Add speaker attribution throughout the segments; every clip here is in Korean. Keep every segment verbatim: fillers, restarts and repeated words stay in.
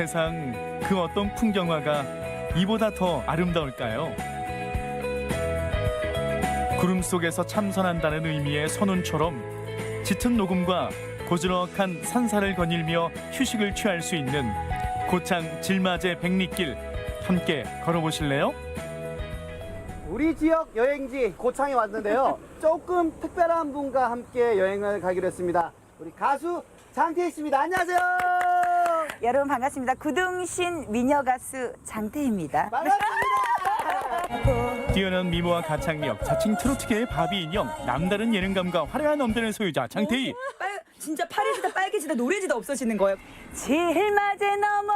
Speaker 1: 세상 그 어떤 풍경화가 이보다 더 아름다울까요? 구름 속에서 참선한다는 의미의 선운처럼 짙은 녹음과 고즈넉한 산사를 거닐며 휴식을 취할 수 있는 고창 질맞의 백리길 함께 걸어보실래요?
Speaker 2: 우리 지역 여행지 고창에 왔는데요. 조금 특별한 분과 함께 여행을 가기로 했습니다. 우리 가수 장태희 씨입니다. 안녕하세요.
Speaker 3: 여러분 반갑습니다. 구둥신 미녀 가수 장태희입니다.
Speaker 2: 반갑습니다.
Speaker 1: 뛰어난 미모와 가창력, 자칭 트로트계의 바비 인형, 남다른 예능감과 화려한 엄대는 소유자 장태희.
Speaker 3: 빨, 진짜 파래지다 빨개지다 노래지다 없어지는 거예요. 질맞에 넘어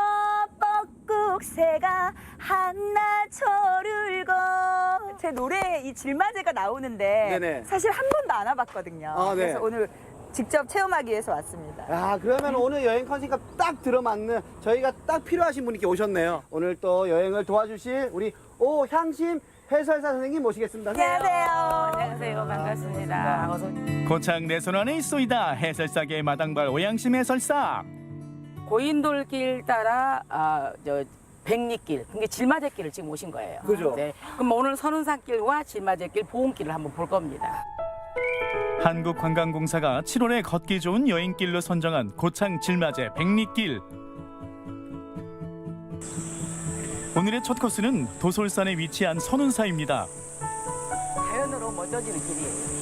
Speaker 3: 뻐꾹새가 한나초를 거. 제 노래에 이 질맞이가 나오는데
Speaker 2: 네네.
Speaker 3: 사실 한 번도 안 와봤거든요.
Speaker 2: 아, 네.
Speaker 3: 그래서 오늘 직접 체험하기 위해서 왔습니다.
Speaker 2: 아, 그러면 오늘 여행 컨셉과 딱 들어맞는 저희가 딱 필요하신 분께 오셨네요. 오늘 또 여행을 도와주실 우리 오향심 해설사 선생님 모시겠습니다.
Speaker 3: 안녕하세요.
Speaker 4: 안녕하세요. 반갑습니다. 어서
Speaker 1: 고창 내 손 안에 있소이다. 해설사계 마당발 오양심 해설사.
Speaker 4: 고인돌길 따라 아, 저 백리길, 그게 질맞이길을 지금 오신 거예요.
Speaker 2: 그죠?
Speaker 4: 네. 그럼 오늘 선운산길과 질맞이길, 보온길을 한번 볼 겁니다.
Speaker 1: 한국관광공사가 칠월에 걷기 좋은 여행길로 선정한 고창 질맞의 백리길. 오늘의 첫 코스는 도솔산에 위치한 선운사입니다.
Speaker 4: 자연으로 멋져지는 길이에요.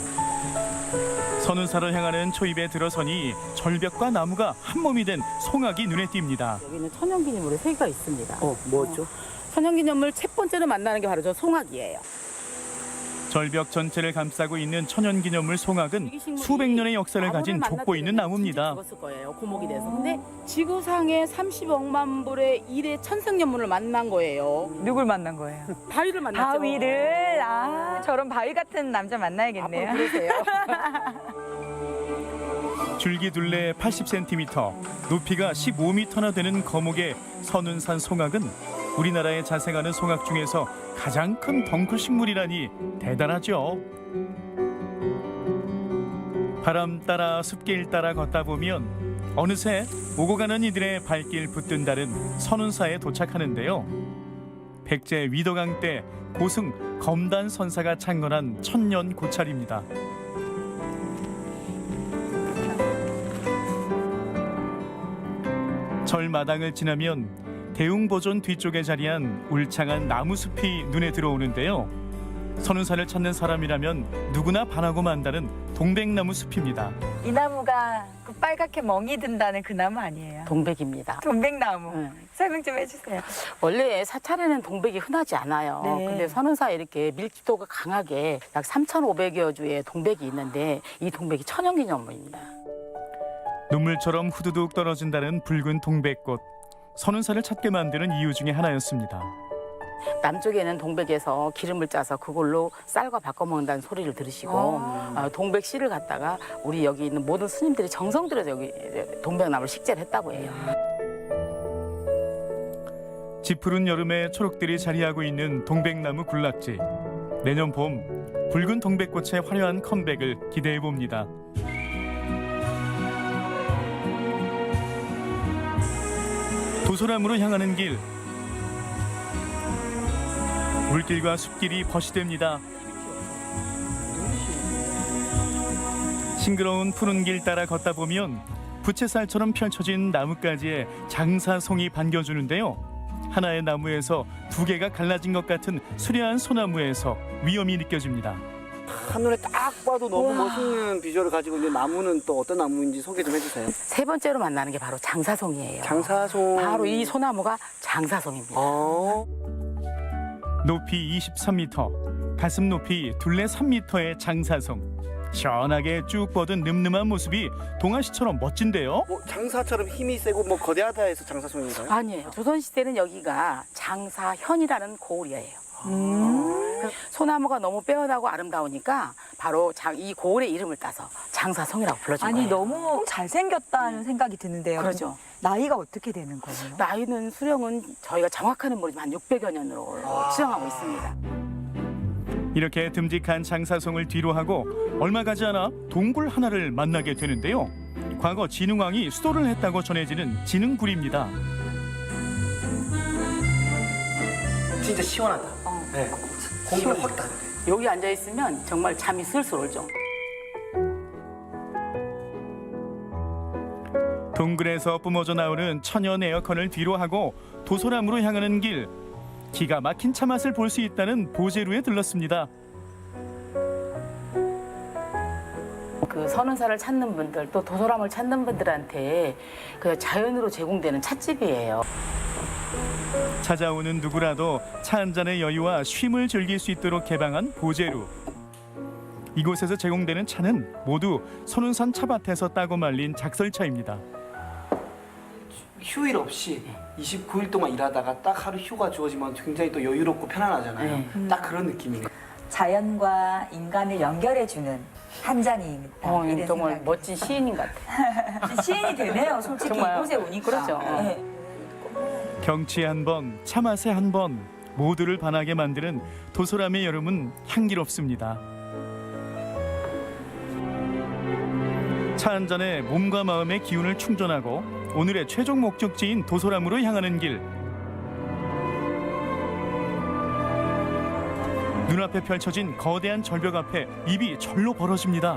Speaker 1: 선운사를 향하는 초입에 들어서니 절벽과 나무가 한몸이 된 송악이 눈에 띕니다.
Speaker 4: 여기는 천연기념물이 세 개가 있습니다.
Speaker 2: 어, 뭐죠?
Speaker 4: 천연기념물 첫 번째로 만나는 게 바로 저 송악이에요.
Speaker 1: 절벽 전체를 감싸고 있는 천연기념물 송악은 수백 년의 역사를 가진 족보 있는 나무입니다.
Speaker 4: 죽었을 거예요. 고목이 돼서. 근데 지구상에 삼십억만 불의 일의 천생연분을 만난 거예요.
Speaker 3: 누굴 만난 거예요?
Speaker 4: 바위를 만났죠.
Speaker 3: 바위를 아 저런 바위 같은 남자 만나야겠네요.
Speaker 4: 앞으로 그러세요.
Speaker 1: 줄기 둘레 팔십 센티미터, 높이가 십오 미터나 되는 거목의 선운산 송악은 우리나라에 자생하는 송악 중에서 가장 큰 덩쿨 식물이라니 대단하죠. 바람 따라 숲길 따라 걷다 보면 어느새 오고 가는 이들의 발길 붙든다는 선운사에 도착하는데요. 백제 위도강 때 고승 검단 선사가 창건한 천년 고찰입니다. 절마당을 지나면 대웅보존 뒤쪽에 자리한 울창한 나무숲이 눈에 들어오는데요. 선운산을 찾는 사람이라면 누구나 반하고 만다는 동백나무 숲입니다.
Speaker 3: 이 나무가 그 빨갛게 멍이 든다는 그 나무 아니에요?
Speaker 4: 동백입니다.
Speaker 3: 동백나무.
Speaker 4: 네.
Speaker 3: 설명 좀 해주세요.
Speaker 4: 원래 사찰에는 동백이 흔하지 않아요.
Speaker 3: 네.
Speaker 4: 근데 선운사에 이렇게 밀집도가 강하게 약 삼천오백여 주의 동백이 있는데 이 동백이 천연기념물입니다.
Speaker 1: 눈물처럼 후두둑 떨어진다는 붉은 동백꽃. 선운산을 찾게 만드는 이유 중에 하나였습니다.
Speaker 4: 남쪽에는 동백에서 기름을 짜서 그걸로 쌀과 바꿔 먹는다는 소리를 들으시고 어, 동백 씨를 갖다가 우리 여기 있는 모든 스님들이 정성 들여서 여기 동백나무를 식재를 했다고 해요.
Speaker 1: 지푸른 여름에 초록들이 자리하고 있는 동백나무 군락지. 내년 봄 붉은 동백꽃의 화려한 컴백을 기대해 봅니다. 도소람으로 향하는 길. 물길과 숲길이 벗이됩니다. 싱그러운 푸른 길 따라 걷다 보면 부채살처럼 펼쳐진 나뭇가지에 장사송이 반겨주는데요. 하나의 나무에서 두 개가 갈라진 것 같은 수려한 소나무에서 위험이 느껴집니다.
Speaker 2: 한눈에 딱 봐도 너무 멋있는 비주얼을 가지고 있는 나무는 또 어떤 나무인지 소개 좀 해주세요.
Speaker 4: 세 번째로 만나는 게 바로 장사송이에요.
Speaker 2: 장사송.
Speaker 4: 바로 이 소나무가 장사송입니다.
Speaker 2: 어.
Speaker 1: 높이 이십삼 미터, 가슴 높이 둘레 삼 미터의 장사송. 시원하게 쭉 뻗은 늠름한 모습이 동아시처럼 멋진데요.
Speaker 2: 뭐 장사처럼 힘이 세고 뭐 거대하다 해서 장사송인가요?
Speaker 4: 아니에요. 조선시대는 여기가 장사현이라는 고을이에요. 그 소나무가 너무 빼어나고 아름다우니까 바로 장, 이 고을의 이름을 따서 장사송이라고 불러준
Speaker 3: 아니
Speaker 4: 거예요.
Speaker 3: 너무 잘생겼다는 생각이 드는데요.
Speaker 4: 그렇죠.
Speaker 3: 나이가 어떻게 되는 거예요?
Speaker 4: 나이는 수령은 저희가 정확하는 모르지만 한 육백여 년으로 추정하고 있습니다.
Speaker 1: 이렇게 듬직한 장사송을 뒤로 하고 얼마 가지 않아 동굴 하나를 만나게 되는데요. 과거 진흥왕이 수도를 했다고 전해지는 진흥굴입니다.
Speaker 2: 진짜 시원하다.
Speaker 4: 어.
Speaker 2: 네. 공기가 확 다르네.
Speaker 4: 여기 앉아 있으면 정말 잠이 슬슬 오죠.
Speaker 1: 동굴에서 뿜어져 나오는 천연 에어컨을 뒤로 하고 도소람으로 향하는 길. 기가 막힌 차 맛을 볼 수 있다는 보제루에 들렀습니다.
Speaker 4: 그 선운사를 찾는 분들 또 도소람을 찾는 분들한테 그 자연으로 제공되는 찻집이에요.
Speaker 1: 찾아오는 누구라도 차 한 잔의 여유와 쉼을 즐길 수 있도록 개방한 보제루. 이곳에서 제공되는 차는 모두 선운산 차밭에서 따고 말린 작설차입니다.
Speaker 2: 휴일 없이 이십구 일 동안 일하다가 딱 하루 휴가 주어지면 굉장히 또 여유롭고 편안하잖아요.
Speaker 4: 네.
Speaker 2: 딱 그런 느낌이네요.
Speaker 3: 자연과 인간을 연결해주는 한 잔입니다.
Speaker 4: 어,
Speaker 3: 이런
Speaker 4: 정말
Speaker 3: 생각이.
Speaker 4: 멋진 시인인 것 같아요.
Speaker 3: 시인이 되네요. 솔직히
Speaker 4: 정말.
Speaker 3: 이곳에 오니까.
Speaker 4: 그렇죠.
Speaker 3: 네.
Speaker 1: 경치에 한 번, 차 맛에 한 번 모두를 반하게 만드는 도소람의 여름은 향기롭습니다. 차 한 잔에 몸과 마음의 기운을 충전하고 오늘의 최종 목적지인 도소람으로 향하는 길. 눈앞에 펼쳐진 거대한 절벽 앞에 입이 절로 벌어집니다.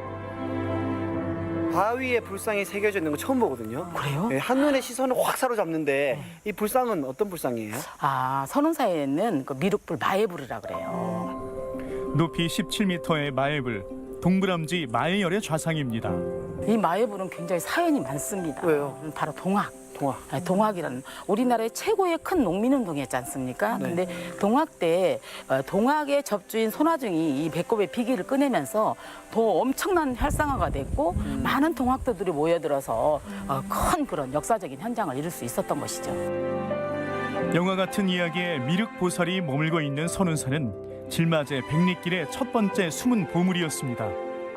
Speaker 2: 바위에 불상이 새겨져 있는 거 처음 보거든요.
Speaker 4: 그래요?
Speaker 2: 네, 한눈에 시선을 확 사로잡는데 이 불상은 어떤 불상이에요?
Speaker 4: 아, 선운사에는 그 미륵불 마애불이라 그래요.
Speaker 1: 높이 십칠 미터의 마애불, 동그람지 마애열의 좌상입니다.
Speaker 4: 이 마애불은 굉장히 사연이 많습니다.
Speaker 2: 왜요?
Speaker 4: 바로 동학.
Speaker 2: 동화.
Speaker 4: 아니, 동학이라는 우리나라의 최고의 큰 농민운동이었지 않습니까?
Speaker 2: 네.
Speaker 4: 근데 동학 때 어, 동학의 접주인 손아중이 이 배꼽의 비기를 꺼내면서 더 엄청난 활성화가 됐고
Speaker 2: 음.
Speaker 4: 많은 동학도들이 모여들어서 어, 큰 그런 역사적인 현장을 이룰 수 있었던 것이죠.
Speaker 1: 영화 같은 이야기에 미륵 보살이 머물고 있는 선운사는 질맞의 백리길의 첫 번째 숨은 보물이었습니다.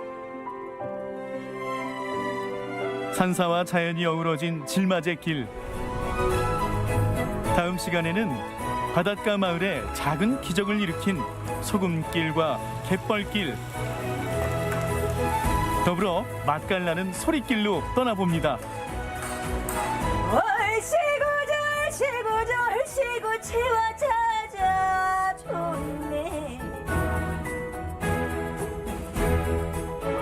Speaker 1: 산사와 자연이 어우러진 질맞의 길. 다음 시간에는 바닷가 마을에 작은 기적을 일으킨 소금길과 갯벌길, 더불어 맛깔나는 소리길로 떠나봅니다.
Speaker 3: 월시구절 시구절 시구치와 차